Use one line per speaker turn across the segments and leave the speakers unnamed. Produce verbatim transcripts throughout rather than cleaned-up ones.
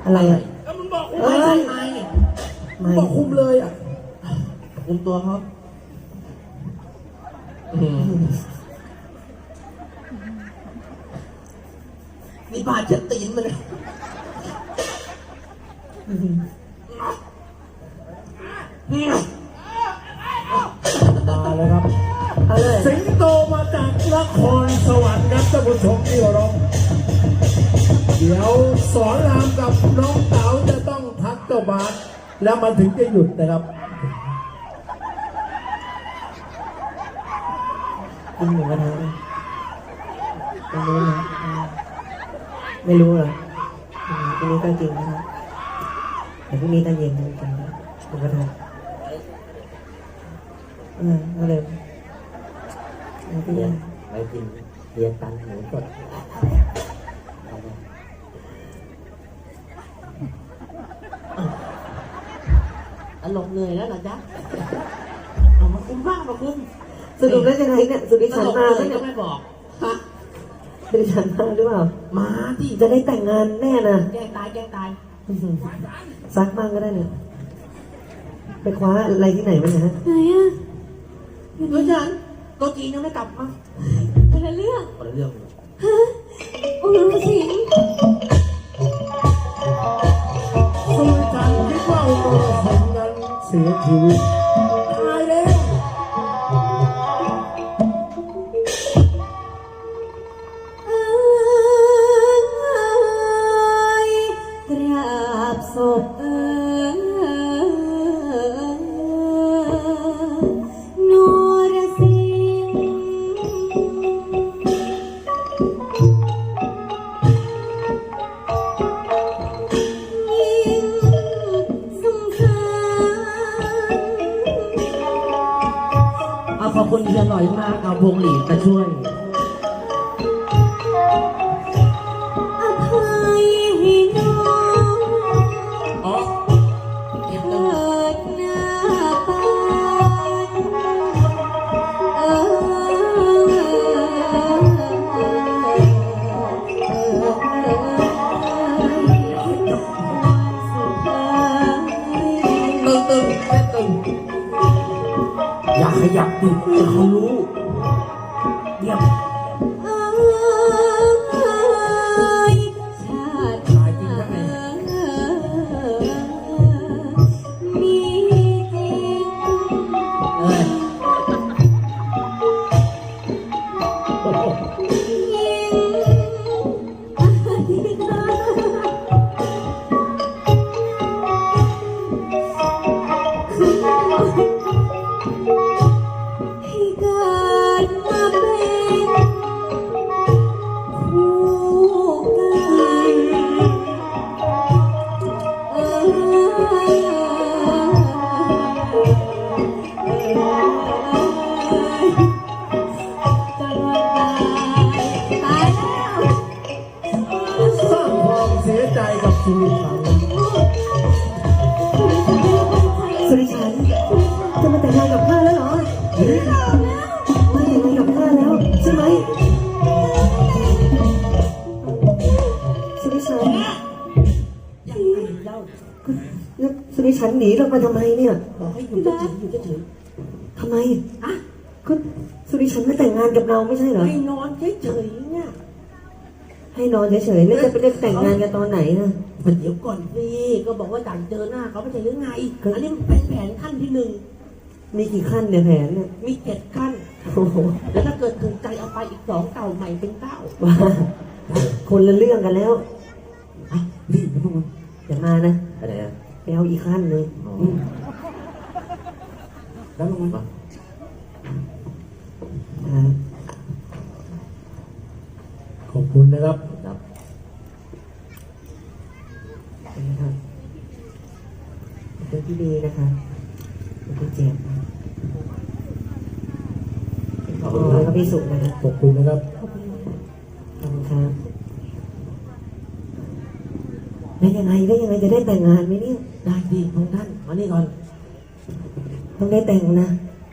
อะไรอ่ะ
แล้วมึงบอกคุมไม่ใช่ไหมมึงบอกคุมเลยอ่ะคุมตัวครับนี่บาดเจ็บตีนมันเลย
มาเลยครับ
เอาเลย
สิงโตมาจากนครสวรรค์ครับท่านผู้ชมที่เคารพเดี๋ยวสอนรามกับน้องเต๋าจะต้องทักเจ้าบาสแล้วมันถึงจะหยุดนะครับ
กินหมูกระทะไม่รู้นะไม่รู้เหรอทีนี้ก็กินนะครับแต่พรุ่งนี้ตอนเย็นจะกินหมูกระทะเออเอาเลยเอาไปยัง
ไปกินเรียนตันหมูสดอารมณ์เหนื่อยแล้วเหรอจ๊ะเอามาคุ้มบ้างมาคุ้ม
สรุปแล้วยังไงเนี่ยสุริชันมา
เล
แล้ว
ย
เนี่
ก็
ย
ไม่บอกฮะ
สุริชันมาหรือเปล่า
มาที่
จะได้แต่งงานแน่นะ
แกล้งตายแกล้งตาย
ซักบ้างก็ได้เนี่ยไปคว้าอะไรที่ไหนมาเนี่ยฮะ
ไหนอ่ะ
เฮ้ยฉันตัวจีนยังไม่กลับมา
คนละเรื่อง
คนละเรื่อง
ฮะโอ้โหสิง
สุริจันทร์คิดว่าอุโมงค์สิงห์นั้นเสียชีวิตตายแล้ว
เอ้ยกราบศพเอ้ยนรสิงห์ยิ่งสำคัญ
เอาขอบคุณเฮียหน่อยมากเอาพวงหลีดมาช่วย
อภัยให้น้อง
อ๋อเก็บ
เกิ
เงิน
ดหน้าปานเอ่ย
ตึงตึงแค่ตึงอย่าขยับดิเดี๋ยวเขารู้เยี่ยม
เอ่ยชาติหน้ามีจริง
เอ้ย
ยิ่งอธิษฐานให้เกิดมาเป็นคู่กันเอ่ยตลอดไปตายแล้ว
สร้างความเสียใจกับสุริชัน
สุริชันจะมาแต่งงานกับข้าแล้วเหรอมาแต่งงานกับข้าแล้วใช่ไหมสุริชัน
ยังไงเล่า
แล้วสุริชันหนีเรามาทำไมเนี่ย
บอกให้อยู่เฉยๆอยู่เฉย
ทำไม
ๆอะ
ก็สุริชันไม่แต่งงานกับเราไม่ใช่เหรอ
ให้นอนเฉยๆเนี่ย
ให้นอนเฉยๆแล้วจะไปเรียกแต่งงานกันตอนไหนนะ
มันเดี๋ยวก่อนสิก็บอกว่าอยากเจอหน้าเขาไม่ใช่หรือไงอันนี้มันเป็นแผนขั้นที่หนึ่ง
มีกี่ขั้นเนี่ยแผนเนี่ย
มีเจ็ดขั้น
โอ้โห
แล้วถ้าเกิดถูกใจเอาไปอีกสองเก่าใหม่เป็นเก้า
ว่าคนละเรื่องกันแล้ว
อ่ะรีบนะพวกมึง
อย่ามานะ
อะไรอ่ะ
ไปเอาอีกขั้นเลย
อืมแล้วมึงมา
อ่า
ขอบคุณนะครับ
ครับ
นะครับเป็นที่ดีนะคะเป็นที่เจ็บนะ
ขอบ
โอ้
คุณค
ย
รั
ก็
บ
พี่สุขนะครับ
ขอบคุณนะครับ
ขอบคุณครับแล้วยังไงแล้วยังไงจะได้แต่งงานไหมเนี่ย
ได้ดีพงท่านมานี่ก่อน
ต้องได้แต่งนะ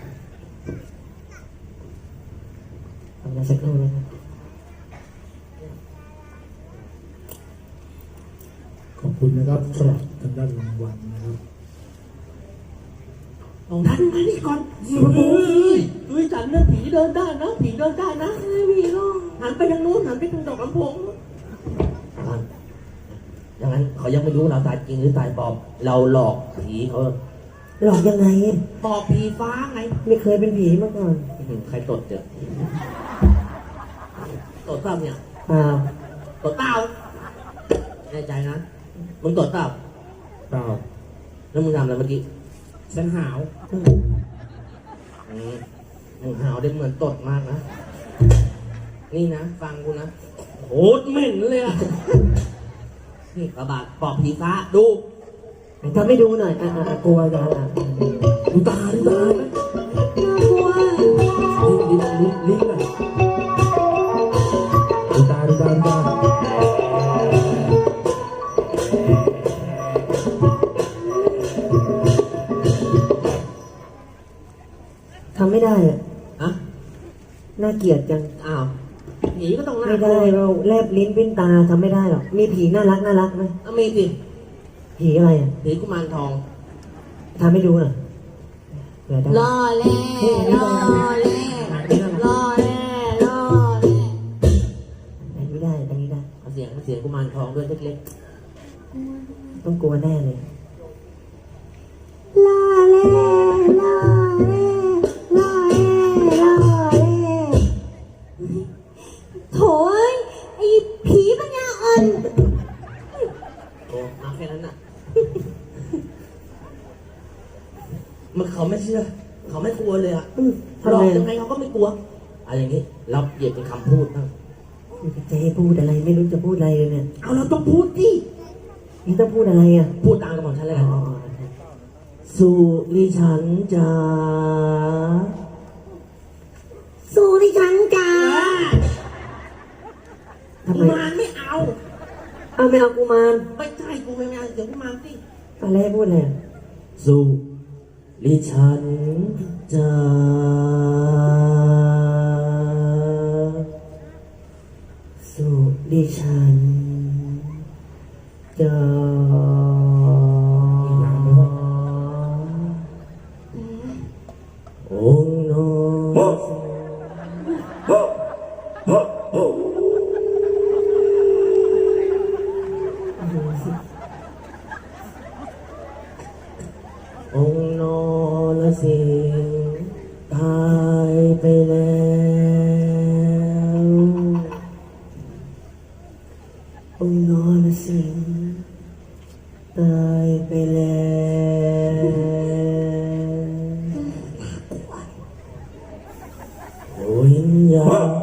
ทำงานสักครู่นะครับ
ขขอบคุณนะครับสำหรับทางด้านรางวัลนะครับ
ของท่านมานี่ก่อนเฮ้ยเฮ้ยจันนะผีเดินได้นะผีเดินได้นะผีลงหันไปทางนู้นหันไปทางดอกลำโพงอย่างนั้นเขายังไม่รู้เราตายจริงหรือตายปลอมเราหลอกผีเขา
หลอกยังไง
ปอบผีฟ้าไง
ไม่เคยเป็นผีมาก่อน
อื้อหือใครตดเจอตดเปล่าเนี่ย
เปล่า
ตดเปล่าแน่ใจนะมึงตดเปล่า
เปล่า
แล้วมึงทำอะไรเมื่อกี้
ฉันหาว
อืม
อืมมึงหาวได้เหมือนตดมากนะนี่นะฟังกูนะโคตรเหม็นเลยอะนี่กระบาดปอบผีฟ้าดู
ทำให้ดูหน่อยอ่ะอ่ะอ่ะกลัวจังอ่ะ
ดูตาดูตา
น่ากลัว
ลิ้นลิ้นลิ้นลิ้นหน่อยดูตาดูตาดูตา
ทำไม่ได้อ่ะ
อะ
น่าเกลียดจัง
อ้าวผีก็ต้องน่า
ไม่ได้เราแลบลิ้นปิ้นตาทำไม่ได้หรอกมีผีน่ารักน่ารักไหม
อ่ะมีสิ
ผีอะไรอ่ะ
ผีกุมารทอง
ทำให้ดูหน่อยเผื่อได้
ล่อแร่ล่อแร่ล่อแร่ล่อแร่
อันนี้ได้อันนี้ได้
เอาเสียงเสียงกุมารทองด้วยเล็ก
ต้องกลัวแน่เลย
ล่อแร่ล่อแร่ล่อแร่ล่อแร่โถ่เอ้ยไอ้ผีปัญญาอ่อน
ๆโอ้มาแค่นั้นน่ะมันเขาไม่เชื่อ เขาไม่กลัวเลยอะ
อืม
หล
ทำ
อก
ไม
ยังไงเขาก็ไม่กลัวอะไรอย่างงี้เราเหยียบเป็นคำพูดบ้าง
จะให้พูดอะไรไม่รู้จะพูดอะไรเลยเนี่ย
เอาเราต้องพูดดิ
นี่ต้องพูดอะไรอ่ะ
พูดตามกับหมอฉันเลย
อ๋
กั
อน
สุริฉันจ๋า
สู้ดิฉันจ้า
ทำไม
กุมารไม่เอา
เอาไม่เอากุมาร
ไม่ใช่กูไม่เอาเดี๋ยวกุมารสิ
อะไรให้พูดเลย
สุริฉันจ๋า
สุดิฉันจะองค์นอนองค์นอนสิงห์ตายไปแล้วองค์นอนสิงห์ตายไปแล้ววิญญาณ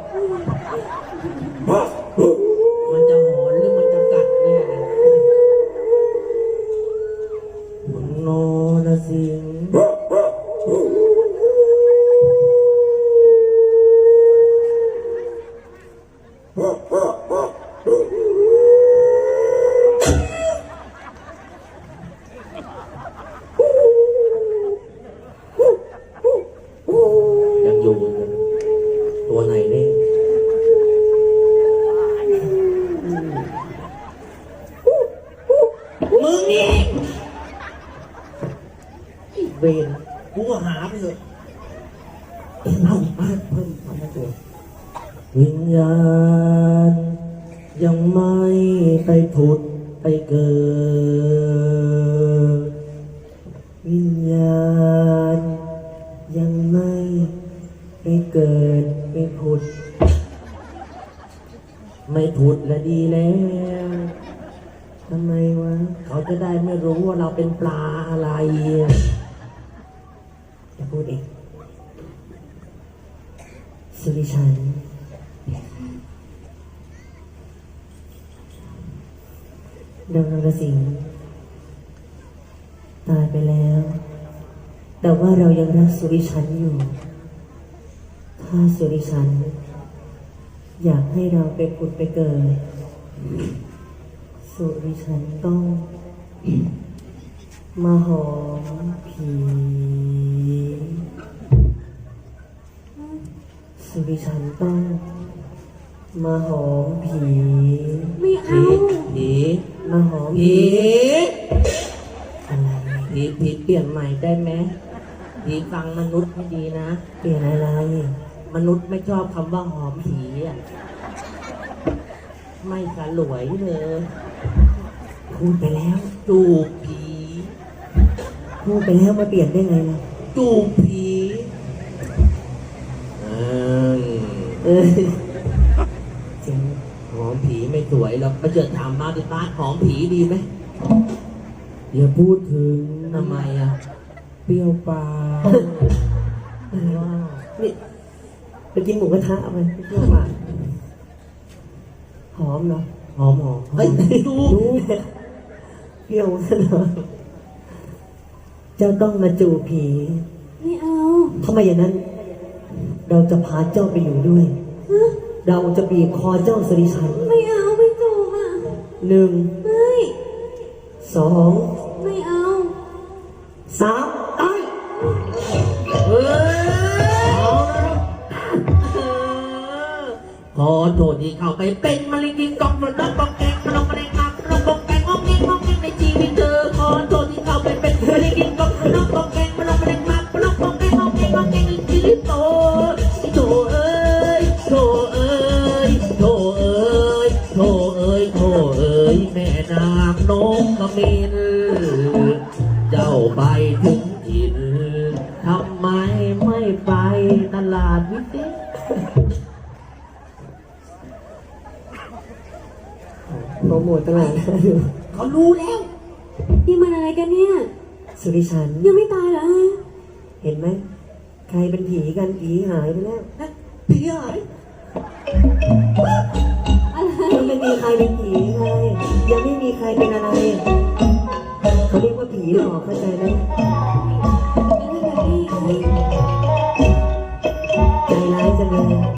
มันจะหอนหรือมันจะกัดแน่องค์นอนสิงห์ยังอยู่กันตัวไหนนี่มึงนี่ไอ้เวรกูก็หาไปเถอะเอามาเพิ่มความน่ากลัววิญญาณยังไม่ไปผุดไปเกิดวิญญาณยังไม่ไปเกิดไปผุด ไม่ผุดและดีแล้วทำไมวะเขาจะได้ไม่รู้ว่าเราเป็นปลาอะไรจะพูดเองสุริชันดงนรสิงห์ตายไปแล้ว แต่ว่าเรายังรักสุริชันอยู่ ถ้าสุริชันอยากให้เราไปผุดไปเกิด สุริชันต้องมาหอมผี สุริชันต้องมาหอมผี
ไม่เอา
ผี
ไ
มาหอม
ผี
อะไร
ผีผีเปลี่ยนใหม่ได้ไหมผีฟังมนุษย์ไม่ดีนะ
เปลี่ยนอะไร
มนุษย์ไม่ชอบคำว่าหอมผีอ่ะ ไม่สลวยเลย
พูดไปแล้ว
จูบผี
พูดไปแล้วมาเปลี่ยนได้ไงล่ะ
จูบผีอืม
เออจริง
หอมผีไม่สวยเราไปเจอถามมาดิป้าหอมผีดีไหม
อย่าพูดถึง
ทำไมอ่ะ
เปรี้ยวปาก
ว้าว
นี่ไปกินหมูกระทะเอาไปเที่ยวมาหอมเนาะ
หอมหอมเฮ้ยดู
ดูเปรี้ยวซะหน่อยเจ้าต้องมาจูบผี
ไม่เอา
ทำไมอย่างนั้น เราจะพาเจ้าไปอยู่ด้วย
ฮะ
เราจะบีบคอเจ้าสริชัน
ไม่เอาไม่จูบอ่ะ
หนึ่ง
ไม่
สอง
ไม่เอา
สามตาย
เฮ้ยขอโทษที่เข้าไปเป็นมะเร็งกินกล่องมันต้องบอกแกงมันต้องมะเร็งมากมันต้องบอกแกงงอกเงี้ยงอกเงี้ยในชีวิตเธอขอโทษที่เข้าไปเป็นมะเร็งกินกล่องมันต้องบอกแกงมันต้องมะเร็งมากมันต้องบอกแกงงอกเงี้ยงอกเงี้ยในชีวิตโตโตเอ้ยโตเอ้ยโตเอ้ยโตเอ้ยโตเอ้ยแม่นางนกขมิ้นเจ้าไปถึงถิ่นทำไมไม่ไปตลาดวิเศษ
โปรโมทตลาดนะดู
เขารู้แล้ว
นี่มันอะไรกันเนี่ย
สุริชัน
ยังไม่ตายเหรอฮะ
เห็นไหม ใครเป็นผีกันผีหายไปแล้ว
นะผีหาย
อะไร
ยังไม่มีใครเป็นผีไงยังไม่มีใครเป็นอะไร เขาเรียกว่าผีหลอกเข้าใจไหม
นี่แบบนี้
ใจร้ายจังเลย